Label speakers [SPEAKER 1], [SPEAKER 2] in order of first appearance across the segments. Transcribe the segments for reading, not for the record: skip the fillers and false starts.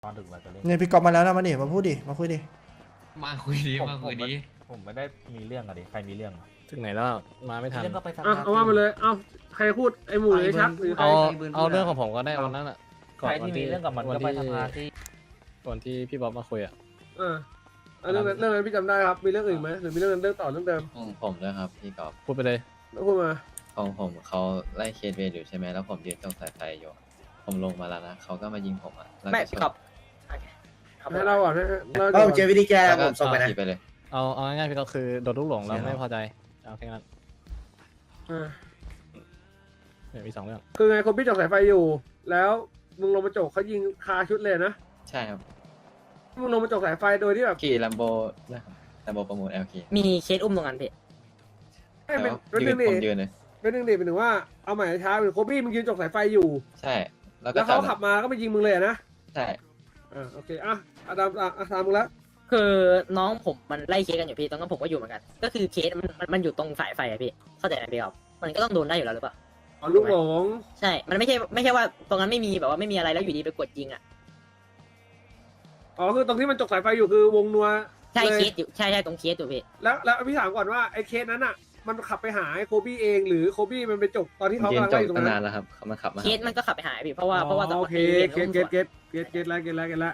[SPEAKER 1] ตอนถึงเราจะเล่น
[SPEAKER 2] เนี่ยพี่กอบมาแล้วนะมาดิมาพูดดิมาคุยดิ
[SPEAKER 3] มาคุยดี
[SPEAKER 1] ผม
[SPEAKER 3] มา
[SPEAKER 1] ผ
[SPEAKER 3] คุ
[SPEAKER 1] ม
[SPEAKER 3] ย
[SPEAKER 1] ไม่
[SPEAKER 3] ดี
[SPEAKER 1] ผมไม่ได้มีเรื่องอะดิใครมีเรื่องอะ
[SPEAKER 4] ถึงไหนแล้วมาไม่ทัน
[SPEAKER 1] เรื่องก็ไปสภา
[SPEAKER 5] เอาว่ามาเลย เอาใครพูดไอหมูหรือไอ้ชักหรือใคร
[SPEAKER 4] เอาเรื่องของผมก็ได้วันนั้นอ่ะ
[SPEAKER 1] ใครที่มีเรื่องกับมันก็ไปสภาที่
[SPEAKER 4] ก่อนที่พี่บ๊อบมาคุยอ่ะ
[SPEAKER 5] เออเอาเรื่องนั้นพี่จำได้ครับ มีเรื่องอื่นไหมหรือมีเรื่องต่อเรื่องเดิม
[SPEAKER 6] ของผมด้วยครับพี่กอบ
[SPEAKER 4] พูดไปเลย
[SPEAKER 5] แล้วพูดมา
[SPEAKER 6] ของผมเขาไล่เคสเวรอยู่ใช่ไหมแล้วผมยืนตรงสายไฟอยู่ผมลงมาแล้วนะเขาก็มายิงผมอ่ะแล้ว
[SPEAKER 7] ไม่
[SPEAKER 6] ก็ชน
[SPEAKER 7] ครับ
[SPEAKER 5] ให้เราก่อนให้เรา
[SPEAKER 8] ก็เจอวิธีแก้
[SPEAKER 6] แล้ว
[SPEAKER 8] ผ
[SPEAKER 6] ก็
[SPEAKER 8] มส่งไปนะ
[SPEAKER 6] ขี่ไปเลย
[SPEAKER 4] เอาง่ายๆพี่ก็คือโดนลูกหลงแล้ว
[SPEAKER 6] ใช่ครับ
[SPEAKER 4] ไม่พอใจเอาแค่นั้น
[SPEAKER 5] เออ
[SPEAKER 4] เนี่ยมีสองเรื่อง
[SPEAKER 5] คือไงคนพี่จกสายไฟอยู่ แล้วมึงลงมาจกเขายิงคาชุดเลยนะ
[SPEAKER 6] ใช่ครับ
[SPEAKER 5] มึงลงมาจกสายไฟโดยที่แบบ
[SPEAKER 6] ขี่ลัมโบนะครับลัมโบประมูล LK
[SPEAKER 7] มีเคสอุ้มตรงนั้นพี่
[SPEAKER 5] ให้เป็น
[SPEAKER 6] แล้ว
[SPEAKER 5] เป็นห
[SPEAKER 6] ยื
[SPEAKER 5] นึ่
[SPEAKER 6] น
[SPEAKER 5] งดิ
[SPEAKER 6] ผมยืนเลย
[SPEAKER 5] เป็นหนึ่งดิเป็นถึงว่าเอาใหม่ช้าเป็นโคบี้มึงยืนจกสายไฟอยู่
[SPEAKER 6] ใช่ แล้วก็
[SPEAKER 5] แล้วเขาขับมาก็ไปยิงมึงเลยอะนะ
[SPEAKER 6] ใช่
[SPEAKER 5] โอเคอ่ะอาดามตามมึงแล้ว
[SPEAKER 7] คือน้องผมมันไล่เคสกันอยู่พี่ตอนนั้นผมก็อยู่เหมือนกัน ก็คือเคสมันอยู่ตรงสายไฟอะพี่เข้าใจไหมพี่ครับมันก็ต้องโดนได้อยู่แล้วหรือเปล่า
[SPEAKER 5] อ๋อลูกหลง
[SPEAKER 7] ใช่ มันไม่ใช่ว่าตรงนั้นไม่มีแบบว่าไม่มีอะไรแล้วอยู่ดีไปกดยิงอ่ะ
[SPEAKER 5] อ๋อคือตรงที่มันจกสายไฟอยู่คือวงนัว
[SPEAKER 7] ใช่
[SPEAKER 5] ลย
[SPEAKER 7] เคสอยู่ใช่ตรงเคสอยู่พี่
[SPEAKER 5] แล้วพี่ถามก่อนว่าไอ้เคสนั้นอ่ะ มันขับไปหาไอ้โคบี้เองหรือโคบี้มันไปจบตอนที่
[SPEAKER 6] ผม
[SPEAKER 5] เขา
[SPEAKER 6] ยืน
[SPEAKER 5] กำลัง
[SPEAKER 6] จ
[SPEAKER 5] ไล่
[SPEAKER 6] ก
[SPEAKER 5] อยู่ตรง
[SPEAKER 6] ตั้ง
[SPEAKER 5] นั้
[SPEAKER 6] นาน
[SPEAKER 5] น
[SPEAKER 6] แล้วครับเขามาขับมา
[SPEAKER 7] เคสมันก็ขับไปหาพี่เพราะว่าตอน
[SPEAKER 5] โอเค
[SPEAKER 7] นี้
[SPEAKER 5] เกตแล้ว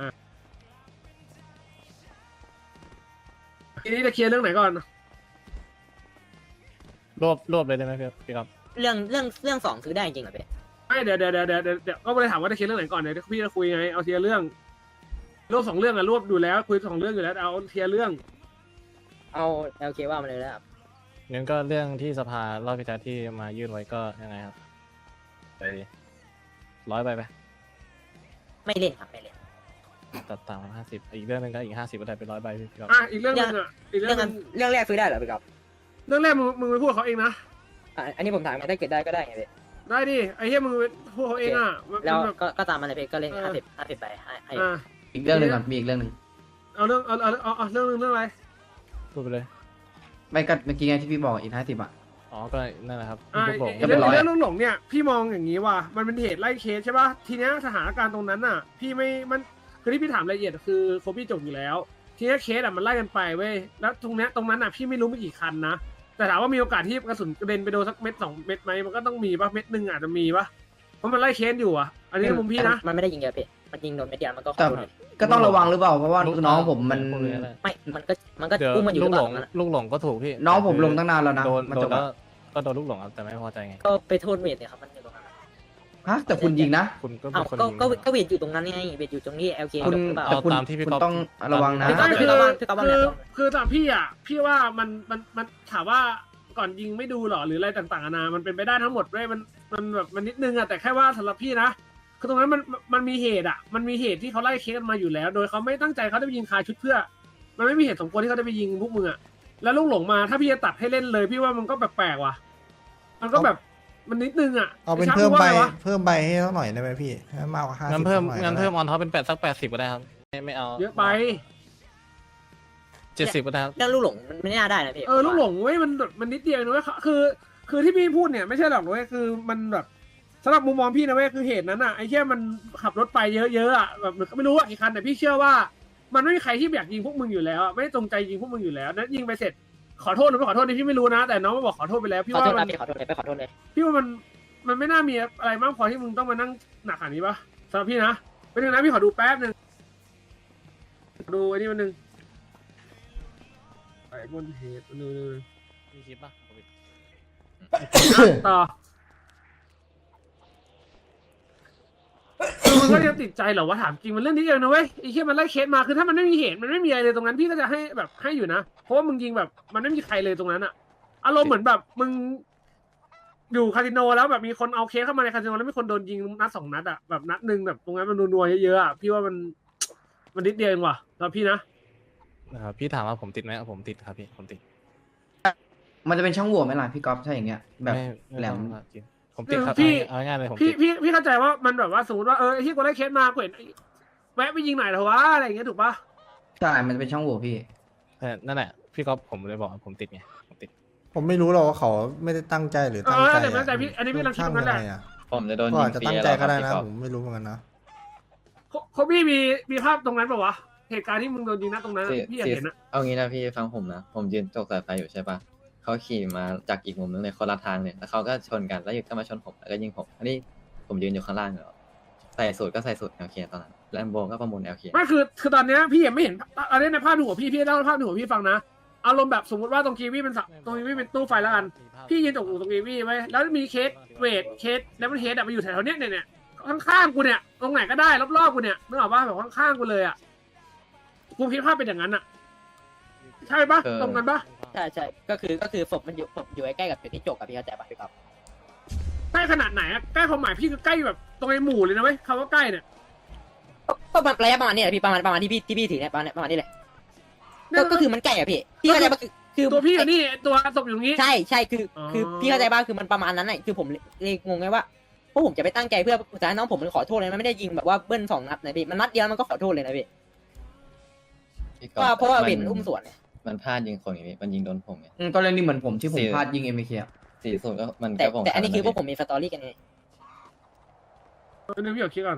[SPEAKER 5] ทีนี้จะเคลียร์เรื่องไหนก่อน
[SPEAKER 4] รวบเลยได้ไหมพี่ครับ
[SPEAKER 7] เรื่องสองซื้อได้จริงเหรอพี่
[SPEAKER 5] ไม่เดี๋ยวก็ไม่ได้ถามว่าจะเคลียร์เรื่องไหนก่อนเดี๋ยวพี่จะคุยไงเอาเคลียร์เรื่องรวบสองเรื่องอะรวบอยู่แล้วคุยสองเรื่องอยู่แล้วเอาเคลียร์เรื่อง
[SPEAKER 7] เอาโอเคว่ามาเลยแล้วครับ
[SPEAKER 4] งั้นก็เรื่องที่สภารอบพิจารที่มายื่นไว้ก็ยังไงครับไปดิ100ไป
[SPEAKER 7] ไม่เล่นครับไม่เล่น
[SPEAKER 4] ตัดต่าง50อีกเรื่องหนึงก็อีก50ก็ได้เป็น100ใบพี่ครับ
[SPEAKER 5] อีกเรื่องนึงอีกเรื่
[SPEAKER 7] เรื่
[SPEAKER 5] อ
[SPEAKER 7] อง ง
[SPEAKER 5] นึ
[SPEAKER 7] นั้น
[SPEAKER 5] ง
[SPEAKER 7] เรื่องแรกซื้อได้เหรอพี่ครับ
[SPEAKER 5] เรื่องแรกมึงไปพูดเขาเองนะ
[SPEAKER 7] อันนี้ผมถามถ้าเกิดได้ก็ได้ไงพี่
[SPEAKER 5] ได้ดิไอ้เหี้ยมึงไปพูดเขาเองอ่ะ
[SPEAKER 7] แล้ว
[SPEAKER 5] แบบ
[SPEAKER 7] ก็ตามมาเลยพี่ก็เล่น50ไปให้
[SPEAKER 8] อีกเรื่องหนึ่งก่อนมีอีกเรื่องหนึ่ง
[SPEAKER 5] เอาเรื่องเอาเรื่องนึงเรื่องอะไร
[SPEAKER 4] พูดไปเลย
[SPEAKER 8] ไม่ก็เมื่อกี้ไงที่พี่บอกอีก50อ่ะ
[SPEAKER 4] อ๋อก็นั่นแหละครับ
[SPEAKER 5] อ่า
[SPEAKER 4] ลูกหลง
[SPEAKER 8] ก็เป็นร้อย
[SPEAKER 5] เรื่องหลงเนี่ยพี่มองอย่างนี้ว่ามันเป็นเหตุไล่เคสใช่ป่ะทีเนี้ยสถานการณ์ตรงนั้นอ่ะ พี่ไม่มันคือที่พี่ถามรายละเอียดคือโคบี้จบอยู่แล้ว ทีเนี้ยเคสอ่ะมันไล่กันไปเว้ยแล้วตรงนั้นอ่ะพี่ไม่รู้มีกี่คันนะแต่ถามว่ามีโอกาสที่กระสุนกระเด็นไปโดนสักเม็ด2 เม็ดไหมมันก็ต้องมีป่ะเม็ดหนึ่งอาจจะมีป่ะเพราะมันไล่เคสอยู่อ่ะอันนี้ในมุมพี่นะ
[SPEAKER 7] มันไม่ได้ยิงเยอะพี่มันยิงโดนเม็ดเดียวมันก็ขอ
[SPEAKER 8] แต่
[SPEAKER 7] โทษเลย
[SPEAKER 8] ก็ต้องระวังหรือเปล่าเพราะว่าน้องผมมัน
[SPEAKER 4] พูดเลยก็ได้
[SPEAKER 7] ไม่มันก็
[SPEAKER 4] เดี๋ยว
[SPEAKER 7] อุ้มมันอยู่ห
[SPEAKER 4] ลู
[SPEAKER 7] รื
[SPEAKER 4] ก
[SPEAKER 7] อ
[SPEAKER 4] ห
[SPEAKER 7] เป
[SPEAKER 4] ล
[SPEAKER 7] ล่าง นั้นอะ
[SPEAKER 4] ลูกหลงก็ถูกพี่
[SPEAKER 8] น้องผมลงตั้งนานแล้วนะ
[SPEAKER 4] โดน
[SPEAKER 8] มัน
[SPEAKER 4] โด
[SPEAKER 8] จ
[SPEAKER 4] น
[SPEAKER 8] บ
[SPEAKER 4] แล้ว
[SPEAKER 8] อะ
[SPEAKER 4] ก็โดนลูกหลงครับแต่ไม่พอใจไง
[SPEAKER 7] ก็ไปโทษเวทเนี่ยครับมันอยู่ตรงนั้นอะ
[SPEAKER 8] ฮะแต่คุณยิงนะ
[SPEAKER 4] คุณก็เป็
[SPEAKER 7] เอ้าน
[SPEAKER 4] คน
[SPEAKER 7] ก็
[SPEAKER 4] ยิง
[SPEAKER 7] ก็เวทอยู่ตรงนั้นไงเวทอยู่ตรงที่ LK
[SPEAKER 8] คุณ
[SPEAKER 7] หรือเปล่า
[SPEAKER 4] เอา
[SPEAKER 8] คุณ
[SPEAKER 4] ตามที่พี่
[SPEAKER 8] คุณ
[SPEAKER 4] ก๊อฟ
[SPEAKER 8] ต้องระวังนะ
[SPEAKER 7] พี่ก๊อฟ
[SPEAKER 5] คือ
[SPEAKER 7] พี่ก๊อฟเนี่ย
[SPEAKER 5] คือสำหรับพี่อ่ะพี่ว่ามันถามว่าก่อนยิงไม่ดูหรอหรืออะไรต่างๆนานามันเป็นไปได้ทั้งหมดด้วยมันแบบมันนิดนึงอ่ะแต่แค่ว่าสำหรับพี่นะคือตรงนั้นมันมีเหตุอ่ะมันมีเหตุที่เขาไล่เคสกันมาอยู่แล้ว โดยเขาไม่ตั้งใจเขาจะไปยิงคาชุดเพื่อ มันไม่มีเหตุสมควรที่เขาจะไปยิงพวกมึงอ่ะแล้วลูกหลงมาถ้าพี่จะตัดให้เล่นเลยพี่ว่ามันก็แปลกๆว่ะมันก็แบบมันนิดนึงอ่ะ
[SPEAKER 2] เอาเป็น
[SPEAKER 5] ไชัก
[SPEAKER 2] เพิ่ม
[SPEAKER 5] ว่า
[SPEAKER 2] ใบ
[SPEAKER 5] ไงวะ
[SPEAKER 2] เพิ่มใบให้เขาหน่อยได้ไหมพี่ให้มากกว่า50
[SPEAKER 4] งั้นเพิ่ม
[SPEAKER 2] หน่อย
[SPEAKER 4] งั้นเพิ่ม
[SPEAKER 2] ก็
[SPEAKER 4] อ
[SPEAKER 2] ได้
[SPEAKER 4] อนท็อปเป็นสัก80ก็ได้ครับไม่เอา
[SPEAKER 5] เยอะไป
[SPEAKER 4] 70ก็ได้ครับ
[SPEAKER 7] เรื่องลูกหลงมันไม่น่าได้นะพี่
[SPEAKER 5] ลูกหลงเว้ยมันนิดเดียวนะเว้ยคือที่พี่พูดเนี่ยไม่ใช่หรอกเว้ยคือมันแบบสำหรับมุมมองพี่นะเว้ยคือเหตุนั้นอ่ะไอ้แค่มันขับรถไปเยอะๆอ่ะแบบไม่รู้ว่ากี่คันแต่พี่เชื่อว่า มันไม่มีใครที่อยากยิงพวกมึงอยู่แล้วอะไม่ได้จงใจยิงพวกมึงอยู่แล้วนั้นยิงไปเสร็จขอโทษหรือไม่ขอโทษนี่พี่ไม่รู้นะ แต่น้องมาบอกขอโทษไปแล้วพี่
[SPEAKER 7] ขอ
[SPEAKER 5] ว่า
[SPEAKER 7] โทษ
[SPEAKER 5] มั
[SPEAKER 7] นะ
[SPEAKER 5] น
[SPEAKER 7] พี่ขอโทษเลยไปขอโทษเลย
[SPEAKER 5] พี่ว่ามันไม่น่ามีอะไรมากพอที่มึงต้องมานั่งหนักขนาดนี้ปะสำหรับพี่นะเป็นยังไงพี่ขอดูแป๊บนึงดูไอ้นี่มันนึงไอ้บนเหตุดู
[SPEAKER 4] มีคลิปป่ะ
[SPEAKER 5] ต่อมึงก็ยังติดใจเหรอวะถามจริงมันเรื่องนี้เองนะเว้ยไอ้เหี้ยมันไล่เคสมาคือถ้ามันไม่มีเหตุมันไม่มีอะไรเลยตรงนั้นพี่ก็จะให้แบบให้อยู่นะเพราะว่ามึงยิงแบบมันไม่มีใครเลยตรงนั้นอะอารมณ์เหมือนแบบมึงอยู่คาสิโนแล้วแบบมีคนเอาเคสเข้ามาในคาสิโนแล้วมีคนโดนยิงนัด2 นัดอะแบบนัดหนึ่งแบบตรงนั้นมันนัวๆเยอะๆอะพี่ว่ามันนิดเดียวเองว่ะสำหรับพี่นะ
[SPEAKER 4] นะครับพี่ถามว่าผมติดไหมผมติดครับพี่ผมติด
[SPEAKER 8] มันจะเป็นช่องโหว่ไหมล่ะพี่ก๊อฟถ้าอย่างเงี้ยแบบ
[SPEAKER 4] ไม่
[SPEAKER 8] แหลม
[SPEAKER 4] ต้องครับจริงผมติดครับ
[SPEAKER 5] พี่
[SPEAKER 4] เอาง่ายๆเลยผม
[SPEAKER 5] พี่
[SPEAKER 4] ติด
[SPEAKER 5] พี่เข้าใจว่ามันแบบว่าสมมติว่าไอ้ที่กูได้เคสมากูเห็นแวะไปยิงหน่อยเถอะวะอะไรอย่างเงี้ยถูกปะ
[SPEAKER 8] ใช่มันจะเป็นช่องโหว่พี่
[SPEAKER 4] แต่นั่นแหละพี่ก๊อฟผมเลยบอกว่าผมติดไงผมติด
[SPEAKER 2] ผมไม่รู้หรอกว่าเขาไม่ได้ตั้งใจหรือตั้งใจ
[SPEAKER 5] แต่พี่อันนี้พี่กำลังคิดตรงนั้นแหละ
[SPEAKER 6] ผมจะโดน
[SPEAKER 2] ก็
[SPEAKER 6] ยิ
[SPEAKER 2] อาจ
[SPEAKER 6] ง
[SPEAKER 2] จะ
[SPEAKER 6] ฟรี
[SPEAKER 2] ตั้งใจ
[SPEAKER 6] แล้วค
[SPEAKER 2] ก็
[SPEAKER 6] รับ
[SPEAKER 2] ได้
[SPEAKER 6] พี่
[SPEAKER 2] นะ
[SPEAKER 6] กอบ
[SPEAKER 2] ผมไม่รู้เหมือนกันนะ
[SPEAKER 5] โคบี้มีภาพตรงนั้นป่าวะเหตุการณ์ที่มึงโดนยิงนะตรงนั้นพี่อยากเห็นนะ
[SPEAKER 6] เอางี้นะพี่ฟังผมนะผมยืนตกสายไฟอยู่ใช่ปะเขาขี่มาจากอีกมุมนึงเลยคนละทางเลยแล้วเขาก็ชนกันแล้วอยู่ก็มาชนผมแล้วก็ยิงผมอันนี้ผมยืนอยู่ข้างล่างเลยใส่สูตรก็ใส่สูตร LK ตอนนั้นแลมโบก็ประมูล LK
[SPEAKER 5] ไม่คือตอนเนี้ยพี่ยังไม่เห็นอันนี้ในภาพในหัวพี่เล่าภาพในหัวพี่ฟังนะอารมณ์แบบสมมติว่าตรงกีวีเป็นตรงกีวีเป็นตู้ไฟแล้วกันพี่ยืนตรงกีวีไว้แล้วมีเคสเวทเคสแล้วมันเฮดมาอยู่แถวๆเนี้ยเนี่ยข้างๆกูเนี่ยตรงไหนก็ได้รอบๆกูเนี่ยนึกออกป่ะแบบข้างๆกูเลยอ่ะกูคิดภาพเป็นอย่างนั้นอ่ะใช่ปะตรงกันปะ
[SPEAKER 7] ใช่ก็คือศพมันอยู่ใกล้ๆกับจุดที่จบกับพี่เข้าใจป่ะพี่ก๊อฟ
[SPEAKER 5] ใกล้ขนาดไหนอะใกล้ความหมายพี่คือใกล้แบบตรงไอ้หมู่เลยนะเว้ยคำว่าใกล้เนี่ย
[SPEAKER 7] ก็ระยะประมาณนี้แหละพี่ประมาณที่พี่ถือเนี่ยประมาณนี้เลยก็คือมันใกล้อะพี่เข้าใจป่ะคือ
[SPEAKER 5] ตัวพี่อยู่นี่ตัวศพอยู่ตรงนี้
[SPEAKER 7] ใช่คือพี่เข้าใจป่ะคือมันประมาณนั้นแหละคือผมเลยงงไงว่าพวกผมจะไปตั้งใจเพื่อสุดท้ายน้องผมมันขอโทษเลยมันไม่ได้ยิงแบบว่าเบิ้ล2 นัดนะพี่มันนัดเดียวมันก็ขอโทษเลยนะพี่เพราะว่าเป็นอุ้มสวนเนี่ย
[SPEAKER 6] มันพลาดยิงคนอย่างนี้มันยิงโดนผมไง
[SPEAKER 8] ตอนแรกนี่เหมือนผมที่ผม
[SPEAKER 6] สี่
[SPEAKER 8] พลาดยิง MK อะ
[SPEAKER 6] 40ก็มัน
[SPEAKER 7] แต่
[SPEAKER 6] ก็ผม
[SPEAKER 7] แต่อันนี้คือพวกผมมีสตอรี่กันไง
[SPEAKER 5] นึกพี่อยากคิดก่อน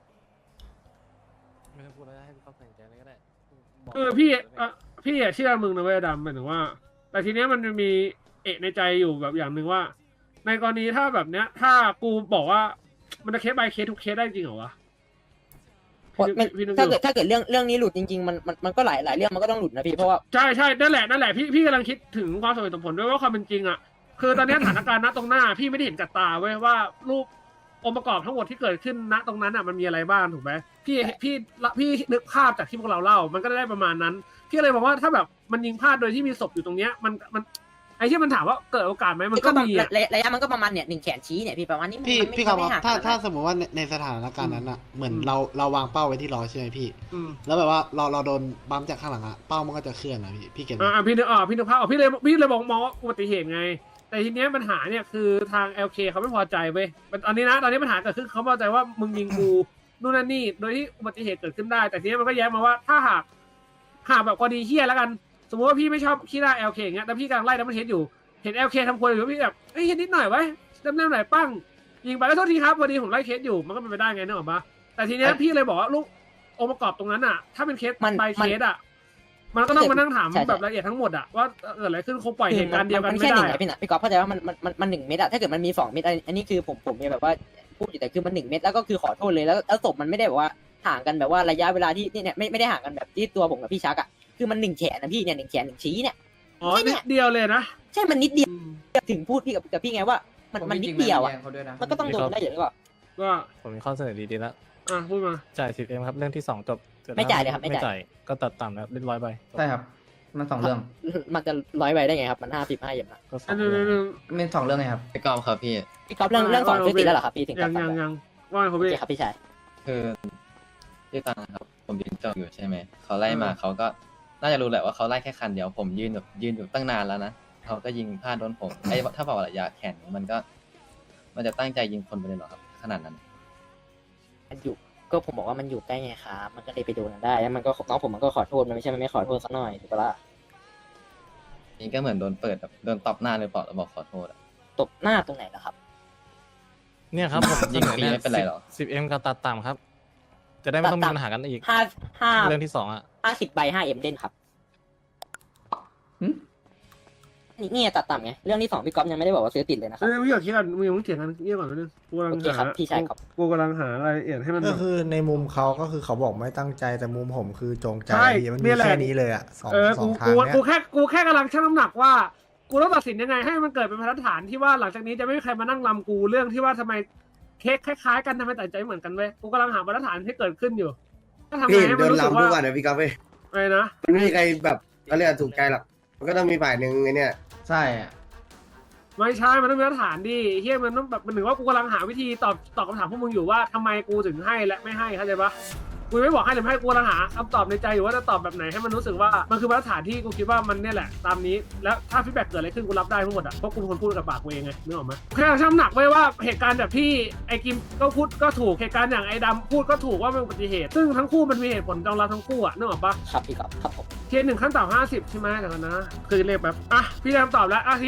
[SPEAKER 4] ไม่ต้องพูดแล้วให้พี่เขาตัดสินใจเลยก็ได้
[SPEAKER 5] พี่เชื่อมึงนะเว้ยดำหมายถึงว่า แต่ทีเนี้ยมันมีเอะในใจอยู่แบบอย่างหนึ่งว่า ในกรณีถ้าแบบเนี้ย ถ้ากูบอกว่ามันจะเคส by เคสทุกเคสได้จริงเหรอวะพี่นึก
[SPEAKER 7] ถ้า
[SPEAKER 5] อยู่
[SPEAKER 7] เกิดเรื่องนี้หลุดจริงๆมันก็หลายเรื่องมันก็ต้องหลุดนะพี่เพราะว่า
[SPEAKER 5] ใช่นั่นแหละพี่กำลังคิดถึงความสมเหตุสมผลด้วยว่าความเป็นจริงอ่ะคือตอนนี้สถานการณ์ณตรงหน้าพี่ไม่ได้เห็นกับตาเว้ยว่ารูปองค์ประกอบทั้งหมดที่เกิดขึ้นณตรงนั้นอ่ะมันมีอะไรบ้างถูกไหมพี่นึกภาพจากที่พวกเราเล่ามันก็ได้ประมาณนั้นพี่เลยบอกว่าถ้าแบบมันยิงพลาดโดยที่มีศพอยู่ตรงเนี้ยมันไอ้ที่มันถามว่าเกิดโอกาสไหมมันก็มีอ่ะ
[SPEAKER 7] ระยะมันก็ประมาณเนี่ย1 แขนชี้เนี่ยพี่ประมาณนี้
[SPEAKER 3] พี่ครับ
[SPEAKER 7] ไม่ห่าง
[SPEAKER 3] ถ้าสมมติว่าในสถานการณ์นั้นอ่ะเหมือนเราวางเป้าไว้ที่ล้อใช่ไหมพี่
[SPEAKER 5] อืม
[SPEAKER 3] แล้วแบบว่าเราโดนบัมจากข้างหลังอ่ะเป้ามันก็จะเคลื่อนนะพี่เก็ตไหม
[SPEAKER 5] พี่นึกภาพออกพี่เลยมองว่าอุบัติเหตุไง แต่ทีเนี้ยปัญหาเนี่ยคือทาง LK เขาไม่พอใจเว้ยตอนนี้ปัญหาเกิดขึ้นเขาพอใจว่ามึงยิงกูนู่นนั่นนี่โดยที่อุบัติเหตุเกิดขึ้นได้ แต่ทีนี้มันก็แย้งมาว่าถ้าหากแบบกรณีเฮี้ยแล้วกัน สมมติว่าพี่ไม่ชอบขี้หน้า LK อย่างเงี้ยแต่พี่กำลังไล่ดับเบิลเฮดอยู่เห็น LK ทำครัวอยู่พี่แบบเห็นนิดหน่อยไว้ดำเนินหน่อยปั้งยิงไปแล้วโทษทีครับพอดีผมไล่เคสอยู่มันก็เป็นไปได้ไงนึกออกปะแต่ทีเนี้ยพี่เลยบอกว่าลูกองค์ประกอบตรงนั้นอ่ะถ้าเป็นเคส by เคสอ่ะมันก็ต้องมานั่งถามแบบละเอียดทั้งหมดอ่ะว่าเกิดอะไรขึ้นคงปล่อยเหตุการณ์เดียวกันไม่
[SPEAKER 7] แค่
[SPEAKER 5] ได้
[SPEAKER 7] 1 พี่นะพี่ก๊อฟเข้าใจว่ามัน1 เม็ดอะถ้าเกิดมันมี 2 เม็ดอันนี้คือผมแบบว่าพูดอยู่แต่คือมัน1 เม็ดแล้วก็คือขอโทษเลยแล้วศพมันไม่ได้แบบว่าห่างกันแบบว่าระยะเวลาที่เนี่ยไม่ได้ห่างกันแบบที่ตัวผมกับพี่ชักอะคือมัน1 แขนนะพี่เนี่ย1 แขน1 ชี้เนี่ย
[SPEAKER 5] อ๋อนิดเดียวเลยนะ
[SPEAKER 7] ใช่มันนิดเดียวถึงพูดพี่กับพี่ไงว่ามันนิดเดียวอะ
[SPEAKER 8] เขาด้วยนะ
[SPEAKER 7] มันก็ต้องโดนได้อยู่แล้วก็
[SPEAKER 5] ก็
[SPEAKER 4] ผมมีข้อเสนอดีๆแล้ว
[SPEAKER 5] พูดมา
[SPEAKER 4] จ่าย 10M ครับเรื่องที่2จบเสร็จแล้ว
[SPEAKER 7] ไม่จ่ายเลยครับไม่
[SPEAKER 4] ไม่
[SPEAKER 7] จ่าย
[SPEAKER 4] จ่ายก็ตัดต่ำแล้วเรียบร้อยไป
[SPEAKER 8] ใช่ครับมัน2 เรื่อง
[SPEAKER 7] มันจะ100 ใบได้ไงครับมัน55 อย่างนะ
[SPEAKER 4] ก็สอ
[SPEAKER 5] อั
[SPEAKER 4] ง
[SPEAKER 5] น
[SPEAKER 4] เรื่อง
[SPEAKER 5] นึง
[SPEAKER 8] ไม่2 เรื่องไงครับ
[SPEAKER 6] ไปกอมครับพี่
[SPEAKER 7] พี่ก๊อฟเรื่อง2ซื้อติดแล้วเหรอครับพี่ถึง
[SPEAKER 5] ยังว่าผม
[SPEAKER 7] โอ
[SPEAKER 5] พี่
[SPEAKER 7] เคครับพี่ชาย
[SPEAKER 6] คือที่ตอนนะครับผมยืนจอดอยู่ใช่ไหมเขาไล่มาเขาก็น่าจะรู้แหละว่าเขาไล่แค่คันเดียวผมยืนอยู่ตั้งนานแล้วนะเขาก็ยิงพลาดโดนผมถ้าบอกว่าระยะแข่งมันจะตั้งใจยิงคนไปเลยเหรอครับขนาดนั้น
[SPEAKER 7] มันอยู่ก็ผมบอกว่ามันอยู่ใกล้ไงครับมันก็เลยไปโดนได้แล้วมันก็น้องผมมันก็ขอโทษมันไม่ใช่มันไม่ขอโทษสักหน่อยถูกปะล่ะ
[SPEAKER 6] นี่ก็เหมือนโดนเปิดแบบโดนตบหน้าเลยเปล่าแล้วบอกขอโทษอะ
[SPEAKER 7] ตบหน้าตรงไหนล่ะครับ
[SPEAKER 4] เนี่ยครับผม
[SPEAKER 6] ยิงฟรีไม่เป็นไรหรอ
[SPEAKER 4] 10M กับตัดต่ำครับ จะได้ไม่ต้องมีปัญหากันอีก เรื่องที่2อ่ะ
[SPEAKER 7] 50 ใบ 5M เด่นครับ
[SPEAKER 8] หึ
[SPEAKER 7] นี่ตัดต่ำไงเรื่องที่2พี่ก๊อฟยังไม่ได้บอกว่าซื้อติดเลยนะครับ
[SPEAKER 5] พี่อยากคิดกันมึงอย่าเพิ่งเถียงกันเงียบก่อนนึงกูกำลัง
[SPEAKER 7] โอเคครับพี่ชายครับ
[SPEAKER 5] กูกำลังหารายละเอียดให้มัน
[SPEAKER 2] ก็คือในมุมเขาก็คือเขาบอกไม่ตั้งใจแต่มุมผมคือจงใจ
[SPEAKER 5] ใช่
[SPEAKER 2] พี่มัน
[SPEAKER 5] นี่
[SPEAKER 2] มี
[SPEAKER 5] แหละ
[SPEAKER 2] แค่นี้เลยอ่ะสอง
[SPEAKER 5] กู
[SPEAKER 2] ทางเนี้ย
[SPEAKER 5] กูแค่กำลังชั่งน้ำหนักว่ากูต้องตัดสินยังไงให้มันเกิดเป็นบรรทัดฐานที่ว่าหลังจากนี้จะไม่มีใครมานั่งลำกูเรื่องที่ว่าทำไมเค้กคล้ายๆกันทำไมตัดใจเหมือนกันเว้ยกูกำลังหาบรรทัดฐานที่เกิดขึ้นอยู่ถ้าทำไงให้มันรู้สึกว่า
[SPEAKER 9] พี่ก๊อฟเว้ย
[SPEAKER 5] อะไรนะ
[SPEAKER 9] มันไม่มีใครแบบเขาเรียกว่าถูกใจหรอกมันก็ต้องมีฝ่ายหนึ่งไอ้เนี่ย
[SPEAKER 8] ใช่อะ
[SPEAKER 5] ไม่ใช่มันต้องมีมาตรฐานดิเฮียมันต้องแบบมันถึงว่ากูกำลังหาวิธีตอบคำถามพวกมึงอยู่ว่าทำไมกูถึงให้และไม่ให้เข้าใจปะกูไม่บอกให้หรือไม่ให้กูกำลังหาคำตอบในใจอยู่ว่าจะตอบแบบไหนให้มันรู้สึกว่ามันคือมาตรฐานที่กูคิดว่ามันเนี่ยแหละตามนี้แล้วถ้าฟีดแบ็กเกิดอะไรขึ้นกูรับได้ทั้งหมดอ่ะเพราะกูเป็นคนพูดกับปากกูเองไงนึกออกไหมแค่ชั่งน้ำหนักไว้ว่าเหตุการณ์แบบที่ไอ้กิมก็พูดก็ถูกเหตุการณ์อย่างไอ้ดำพูดก็ถูกว่ามันอุบัติเหตุซึ่งทั้งคู่มันมีเหตุผลรองรับทั้งคู่อ่ะนึกออกปะ
[SPEAKER 7] ครับพี่ก๊อฟครับผม
[SPEAKER 5] เทียน1 ขั้นต่ำ50ใช่ไหมเดี๋ยวก่อนนะคือเลขแบบพี่ได้คำตอบแล้วทีนี้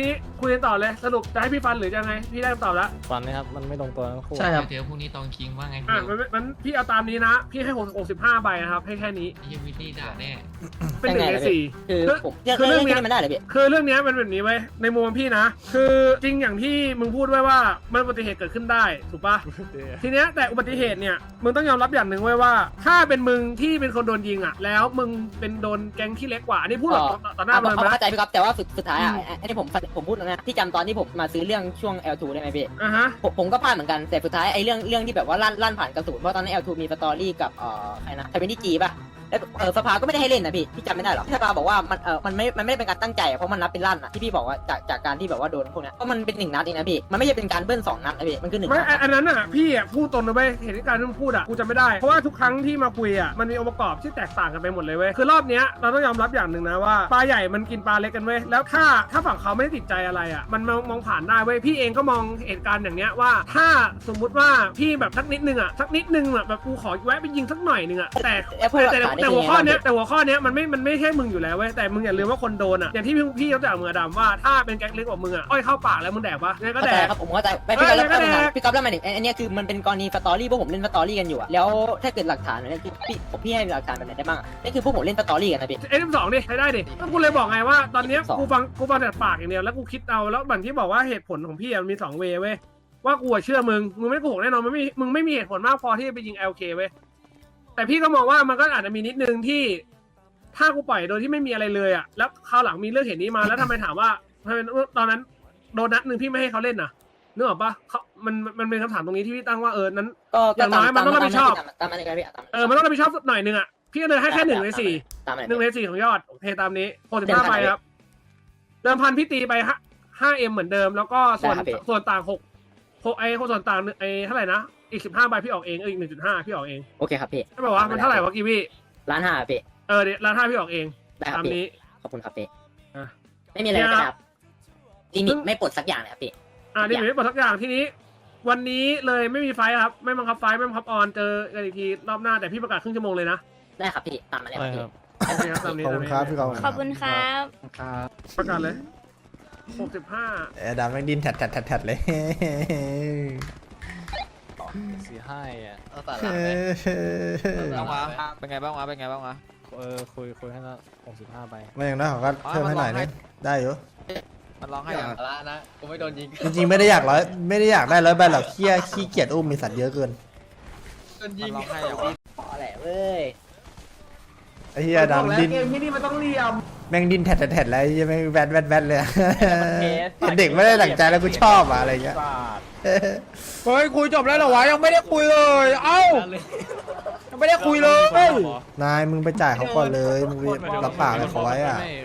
[SPEAKER 5] คุยกันต่อเลยสรุปจะให้พี่ฟันหรือจะไงพี่ได้คำตอบแล้ว
[SPEAKER 4] ฟันนะครับมันไม่ลงตัวทั้งคู่
[SPEAKER 8] ใช่ครับ
[SPEAKER 10] เดี๋ยวพรุ่งนี้ตองคิงว่าไง
[SPEAKER 5] อ่ะ
[SPEAKER 10] พี่
[SPEAKER 5] มันพี่เอาตามนี้นะพี่ให้65ใบนะครับให้แค่นี้
[SPEAKER 10] ไอ้เหี้ยวิลลี่ด่าแน่
[SPEAKER 5] เป็น1 ใน 4
[SPEAKER 7] คือผมเรื่อง
[SPEAKER 5] คือเรื่
[SPEAKER 7] เรื่
[SPEAKER 5] อ
[SPEAKER 7] อง ง
[SPEAKER 5] เนี้ย
[SPEAKER 7] นี้มันได้เหรอพี่
[SPEAKER 5] คือเรื่องเนี้ยมันแบบนี้ไว้ยในมุมพี่นะ คือจริงอย่างที่มึงพูดไว้ว่ามันอุบัติเหตุเกิดขึ้นได้ถูกปะทีเนี้ยแต่อุบัติเหตุเนี่ยมึงต้องยอมรับอย่างหนึ่งไว้ว่าถ้าเป็นมึงที่เป็นคนโดนยิงอ่ะแล้วมึงเป็นโดนแก๊งที่เล็กกว่าอันนี้พูดแบบต่อหน้ามันนะ
[SPEAKER 7] เข้าใจพี่ก๊อฟแต่ว่าสุดท้ายอ่ะอันนี้ผมพูดนะที่จำตอนที่ผมมาซื้อเรื่องช่วง L2 ได้ไหมพี่
[SPEAKER 5] ฮะ
[SPEAKER 7] ผมก็พลาดเหมือนกันแต่สุดท้ายไอ้เรื่องที่แบบว่าลั่นผ่านกระสุนเพราะตอนนั้น L2 มีสตอรี่กับใครนะใครเป็นที่จีป่ะแล้วสภาก็ไม่ได้ให้เล่นนะพี่จำไม่ได้หรอสภาบอกว่ามันไม่ได้เป็นการตั้งใจเพราะมันนับเป็นลั่นอ่ะที่พี่บอกว่าจากการที่แบบว่าโดนพวกนี้เพราะมันเป็น1 นัดเองนะพี่มันไม่ใช่เป็นการเบิ้ล2 นัดนะพี่มันคือ1
[SPEAKER 5] ไม่
[SPEAKER 7] นัด
[SPEAKER 5] อันนั้นอ่ะพี่อ่ะพูดตรงนะเว้ยเหตุการณ์ที่มึงพูดอ่ะกูจำไม่ได้เพราะว่าทุกครั้งที่มาคุยอ่ะมันมีองค์ประกอบที่แตกต่างกันไปหมดเลยเว้ยคือรอบเนี้ยเราต้องยอมรับอย่างหนึ่งนะว่าปลาใหญ่มันกินปลาเล็กกันเว้ยแล้วถ้าฝั่งเขาไม่ได้ติดใจอะไรอ่ะมันมองผ่านได้เว้ยพี่เองก็มองเหตุการณ์อย่างเนี้ยว่าถ้าสมมุติว่าพี่แบบสักนิดนึงอ่ะแบบกูขอแวะไปยิงสักหน่อยนึงอ่ะแต่หัวข้อเนี้ยมันไม่ใช่มึงอยู่แล้วเว้ยแต่มึงอย่าลืมว่าคนโดนอ่ะอย่างที่พี่ยกตัวอย่างมือดำว่าถ้าเป็นแก๊งเล็กกว่ามึงอ่ะอ้อยเข้าปากแล้วมึงแดกปะเนี่ยก็แดก
[SPEAKER 7] ครับผมเข้าใจพี่ก๊อฟแล้วหมายถึงอันนี้คือมันเป็นกรณีสตอรี่พวกผมเล่นสตอรี่กันอยู่อะแล้วถ้าเกิดหลักฐานเนี่ยคือพี่ให้หลักฐานแบบไหนได้บ้างนี่คือพวกผมเล่นสตอรี่กันนะพี่
[SPEAKER 5] F2 ดิใช้ได้ดิก็กูเลยบอกไงว่าตอนเนี้ย
[SPEAKER 7] F2
[SPEAKER 5] กูฟังแต่ปากอย่างเดียวแล้วกูคิดเอาแล้วบันที่บอกว่าเหตุผลของพี่มันมี2 เวย์เว้ยว่ากูเชื่อมึงไม่โกหกแน่นอนมึงไม่มีเหตุผลมากพอที่จะไปยิง LK เว้ยแต่พี่ก็มองว่ามันก็อาจจะมีนิดนึงที่ถ้ากูปล่อยโดยที่ไม่มีอะไรเลยอ่ะแล้วคราวหลังมีเรื่องเหตุนี้มาแล้วทำไมถามว่าทำไมตอนนั้นโดนนัดนึงพี่ไม่ให้เขาเล่นน่ะนึกออกปะมันเป็นคำถามตรงนี้ที่พี่ตั้งว่านั้น
[SPEAKER 7] ก็
[SPEAKER 5] อย่างน้อยมันต้องรับผิดชอบ
[SPEAKER 7] ตามมันเลยพี่
[SPEAKER 5] มันต้องรับผิดชอบหน่อยนึงอ่ะพี่ก็เลยให้แค่1 ใน 4
[SPEAKER 7] ตามมัน
[SPEAKER 5] 1 ใน 4ของยอดโอเคตามนี้65ใบครับเดิมพันพี่ตีไป5M เหมือนเดิมแล้วก็ส่วนต่าง6ไอ้ส่วนต่างไอ้เท่าไหร่นะอีก15ใบพี่ออกเองอีก 1.5 พี่ออกเอง
[SPEAKER 7] โอเคครับพี่
[SPEAKER 5] ใช่ป่าววะมันเท่าไหร่วะกีวี่
[SPEAKER 7] 1,500,000พี่
[SPEAKER 5] เดี๋ยว1,500,000พี่ออกเอง
[SPEAKER 7] ได้ครับ
[SPEAKER 5] ตาม
[SPEAKER 7] พี่
[SPEAKER 5] นี้
[SPEAKER 7] ขอบคุณครับพี่
[SPEAKER 5] อ่ะ
[SPEAKER 7] ไม่มีอะไรนะครับลิมิตไม่ปลดสักอย่างเลยครับพี่
[SPEAKER 5] นี่ไม่บอกทักอย่างทีนี้ วันนี้เลยไม่มีไฟท์ครับไม่บังคับไฟท์ไม่บังคับออนเจอกันอีกทีรอบหน้าแต่พี่ประกาศครึ่งชั่วโมงเลยนะ
[SPEAKER 7] ได้ครับพี่ตามมาเลย
[SPEAKER 4] ใช่
[SPEAKER 7] พี่
[SPEAKER 4] ครับ
[SPEAKER 5] โอเคครับตามนี้
[SPEAKER 2] ขอบคุณครับพี่กอล์ฟ
[SPEAKER 11] ขอบคุณครับ
[SPEAKER 8] ครับ
[SPEAKER 5] ประกาศเลย65
[SPEAKER 2] ไอ้ดำแม่งดิ้นแทดเลย
[SPEAKER 4] สี่ห้าอ่ะ
[SPEAKER 6] เอาสาระไหม
[SPEAKER 10] เป็นไงบ้างวะ
[SPEAKER 4] คุยให้ละ65ใบ
[SPEAKER 2] ไม่อย่างนั้นเขาก็เพิ่มให้หน่อยนึงได้อยู่
[SPEAKER 10] มันร้องให้
[SPEAKER 6] อย่า
[SPEAKER 10] อ่ะ
[SPEAKER 6] สาระนะกูไม่โดนยิง
[SPEAKER 2] จริงๆไม่ได้อยากได้100 ใบหรอกขี้เกียจอุ้มมีสัตว์เยอะเกิน
[SPEAKER 6] โดนยิ
[SPEAKER 10] มัน
[SPEAKER 6] ง
[SPEAKER 10] ร้องให้อ่ะ
[SPEAKER 7] พอแหละเว้ย
[SPEAKER 2] ไอ้เหี้ยดำดิ้น
[SPEAKER 5] เกมที่นี่มันต้องเหลี่ยม
[SPEAKER 2] แม่งดิ้นแทดแล้วไอ้เหี้ยแม่งแวดเลยอะเด็กไม่ได้หลังใจแล้วกูชอบอะอะไรเงี้ย
[SPEAKER 9] เฮ้ยคุยจบแล้วเหรอวะยังไม่ได้คุยเลยเอ้ายังไม่ได้คุยเลย
[SPEAKER 2] นายมึงไปจ่ายเขาก่อนเลยมึงไปรับปากอะไรเขาไว้อะ